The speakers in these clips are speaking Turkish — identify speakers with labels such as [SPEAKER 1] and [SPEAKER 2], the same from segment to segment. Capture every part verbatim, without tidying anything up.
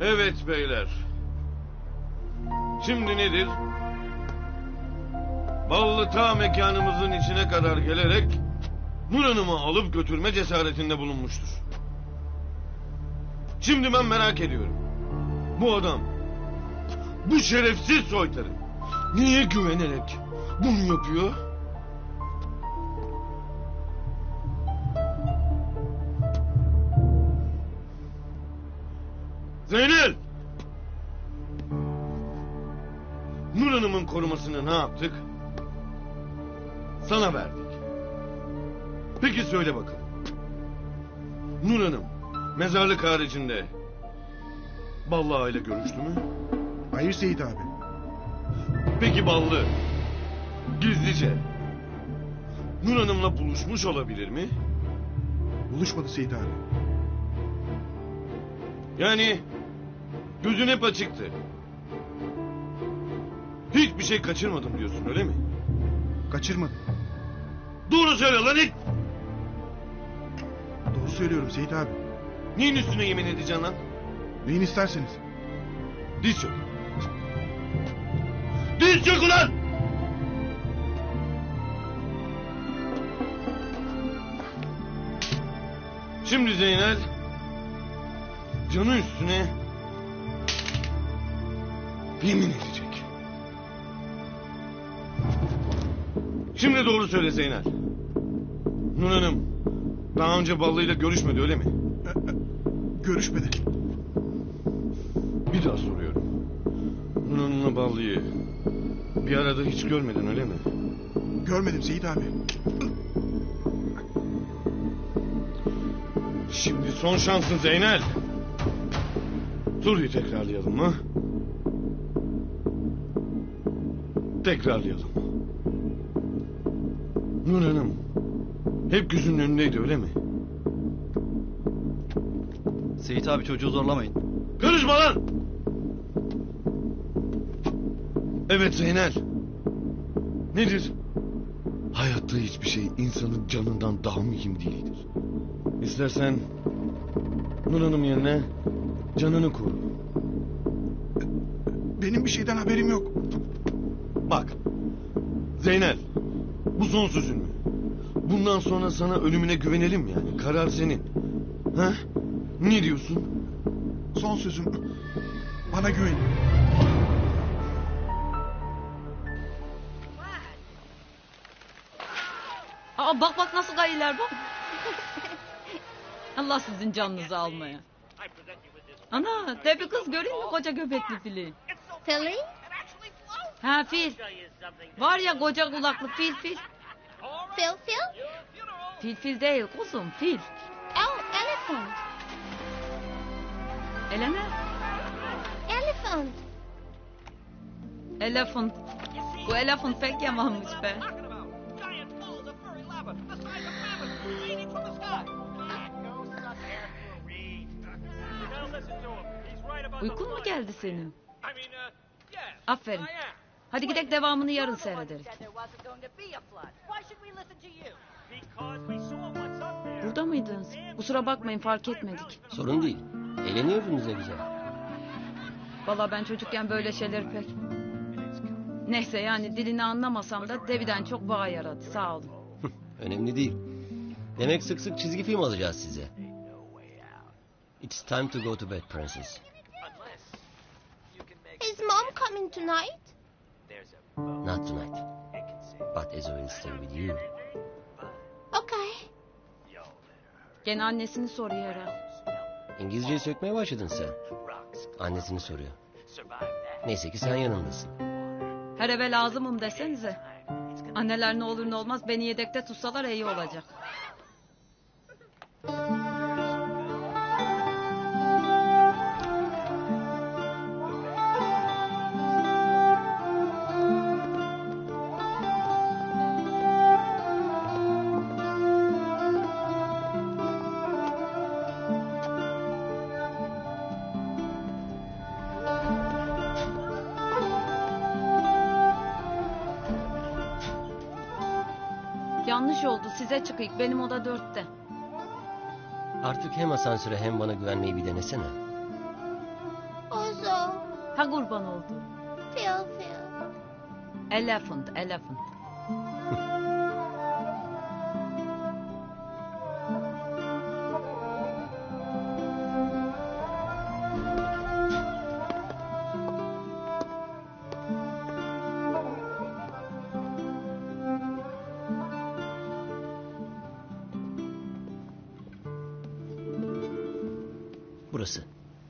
[SPEAKER 1] Evet beyler. Şimdi nedir? Ballı ta mekanımızın içine kadar gelerek Nur Hanım'ı alıp götürme cesaretinde bulunmuştur. Şimdi ben merak ediyorum. Bu adam, bu şerefsiz soytarı niye güvenerek bunu yapıyor? Zeynel! Nur Hanım'ın korumasını ne yaptık? Sana verdik. Peki söyle bakalım. Nur Hanım mezarlık haricinde Ballı Ağa ile görüştü mü?
[SPEAKER 2] Hayır Seyit abi.
[SPEAKER 1] Peki Ballı gizlice Nur Hanım'la buluşmuş olabilir mi?
[SPEAKER 2] Buluşmadı Seyit abi.
[SPEAKER 1] Yani gözün hep açıktı. Hiçbir şey kaçırmadım diyorsun öyle mi?
[SPEAKER 2] Kaçırmadım.
[SPEAKER 1] Doğru söyle lan it!
[SPEAKER 2] Doğru söylüyorum Seyit abi.
[SPEAKER 1] Neyin üstüne yemin edeceksin lan?
[SPEAKER 2] Neyin isterseniz.
[SPEAKER 1] Diz çök. Diz çök ulan! Şimdi Zeynel canı üstüne yemin edecek. Şimdi doğru söyle Zeynel. Nur Hanım daha önce Ballı'yla görüşmedi öyle mi?
[SPEAKER 2] Görüşmedi.
[SPEAKER 1] Bir daha soruyorum. Nur Hanım'la Ballı'yı bir arada hiç görmedin öyle mi?
[SPEAKER 2] Görmedim Seyit abi.
[SPEAKER 1] Şimdi son şansın Zeynel. Soruyu tekrarlayalım mı? Tekrarlayalım. Nur Hanım hep gözünün önündeydi öyle mi?
[SPEAKER 3] Seyit abi çocuğu zorlamayın.
[SPEAKER 1] Karışma lan! Evet Zeynel. Nedir? Hayatta hiçbir şey insanın canından daha mühim değildir. İstersen Nur Hanım yerine canını koru.
[SPEAKER 2] Benim bir şeyden haberim yok.
[SPEAKER 1] Bak Zeynel, bu son sözün mü? Bundan sonra sana ölümüne güvenelim yani. Karar senin. Ha? Ne diyorsun?
[SPEAKER 2] Son sözüm. Bana güvenin.
[SPEAKER 4] Aa, bak bak nasıl gayiler bak. Allah sizin canınızı almaya. Ana de bir kız göreyim mi koca göbekli fili?
[SPEAKER 5] Philly?
[SPEAKER 4] Ha fil. Var ya koca kulaklı fil fil.
[SPEAKER 5] Phil Phil?
[SPEAKER 4] Fil fil değil kuzum fil.
[SPEAKER 5] Oh, elephant.
[SPEAKER 4] Elene.
[SPEAKER 5] Elephant.
[SPEAKER 4] Elephant. Bu elephant pek yamanmış be. Uykun mu geldi senin? Aferin. Hadi gidelim devamını yarın seyrederiz. Burada mıydınız? Kusura bakmayın fark etmedik.
[SPEAKER 6] Sorun değil. Eğleniyorsunuz ne güzel.
[SPEAKER 4] Vallahi ben çocukken böyle şeyleri pek... Neyse yani dilini anlamasam da Devi'den çok bağ yaradı sağ olun.
[SPEAKER 6] Önemli değil. Demek sık sık çizgi film alacağız size. It's time to go to bed, princess.
[SPEAKER 5] Is mom coming tonight?
[SPEAKER 6] Not tonight. But Ezo will stay with you.
[SPEAKER 5] Okay.
[SPEAKER 4] Gene annesini soruyor herhalde.
[SPEAKER 6] İngilizceyi sökmeye başladın sen. Annesini soruyor. Neyse ki sen yanındasın.
[SPEAKER 4] Her eve lazımım desenize. Anneler ne olur ne olmaz beni yedekte tutsalar iyi olacak. Yanlış oldu size çıkayım benim oda dörtte.
[SPEAKER 6] Artık hem asansöre hem bana güvenmeyi bir denesene.
[SPEAKER 5] Ozo.
[SPEAKER 4] Ha kurban oldu.
[SPEAKER 5] Feel, feel.
[SPEAKER 4] Elephant, elephant.
[SPEAKER 6] Burası.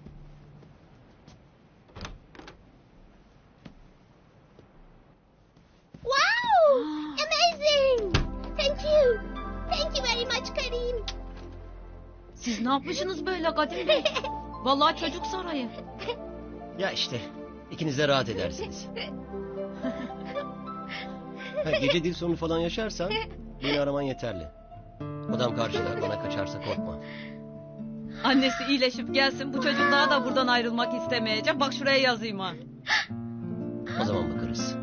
[SPEAKER 5] Wow! Amazing! Thank you. Thank you very much Karim.
[SPEAKER 4] Siz ne yapmışsınız böyle Kadim Bey? Vallahi çocuk sarayı.
[SPEAKER 6] Ya işte ikiniz de rahat edersiniz. Ha, gece dil sorunu falan yaşarsan beni araman yeterli. Odam karşıda, bana kaçarsa korkma.
[SPEAKER 4] Annesi iyileşip gelsin, bu çocuk daha da buradan ayrılmak istemeyecek. Bak şuraya yazayım ha.
[SPEAKER 6] O zaman bakarız.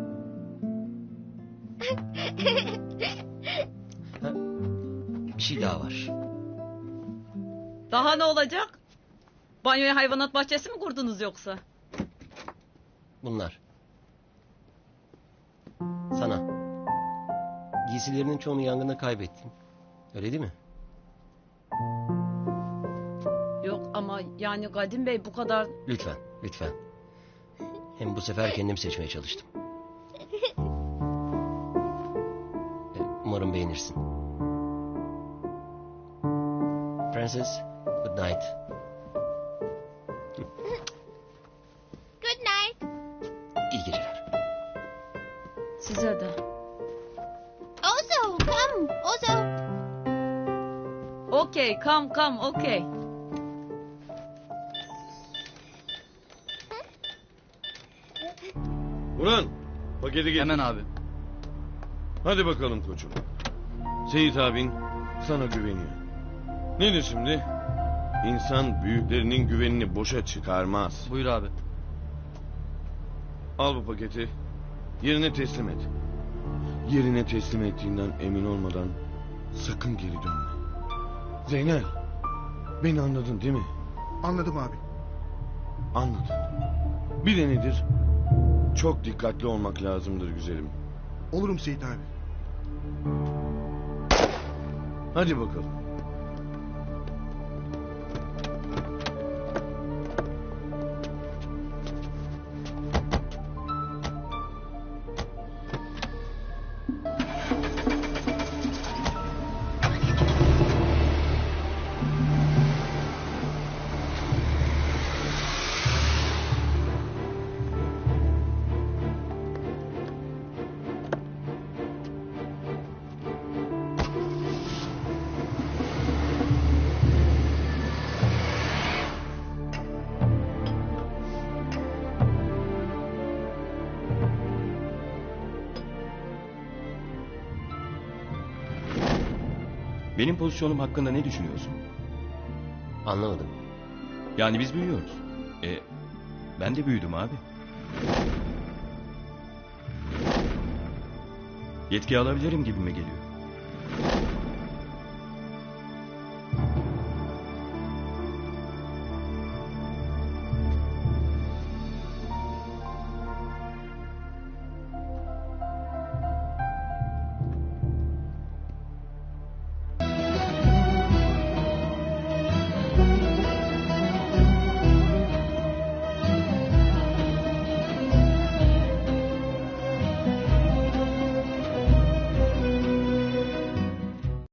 [SPEAKER 6] Ha, bir şey daha var.
[SPEAKER 4] Daha ne olacak? Banyoya hayvanat bahçesi mi kurdunuz yoksa?
[SPEAKER 6] Bunlar. Sana. Giysilerinin çoğunu yangında kaybettin. Öyle değil mi?
[SPEAKER 4] Yok ama yani Kadim Bey bu kadar...
[SPEAKER 6] Lütfen, lütfen. Hem bu sefer kendim seçmeye çalıştım. E, Umarım beğenirsin. Francis, good night.
[SPEAKER 5] Good night.
[SPEAKER 6] İyi geceler.
[SPEAKER 4] Size de.
[SPEAKER 5] Ozo, come. Ozo.
[SPEAKER 4] Okey, come come, okey.
[SPEAKER 1] Ulan paketi getir.
[SPEAKER 3] Hemen abi.
[SPEAKER 1] Hadi bakalım koçum. Seyit abin sana güveniyor. Nedir şimdi? İnsan büyüklerinin güvenini boşa çıkarmaz.
[SPEAKER 3] Buyur abi.
[SPEAKER 1] Al bu paketi. Yerine teslim et. Yerine teslim ettiğinden emin olmadan sakın geri dönme. Zeynel, beni anladın değil mi?
[SPEAKER 2] Anladım abi.
[SPEAKER 1] Anladın. Bir de nedir? Çok dikkatli olmak lazımdır güzelim.
[SPEAKER 2] Olurum Seyit abi.
[SPEAKER 1] Hadi bakalım.
[SPEAKER 7] Benim pozisyonum hakkında ne düşünüyorsun?
[SPEAKER 6] Anlamadım.
[SPEAKER 7] Yani biz büyüyoruz. E, ben de büyüdüm abi. Yetki alabilirim gibime geliyor.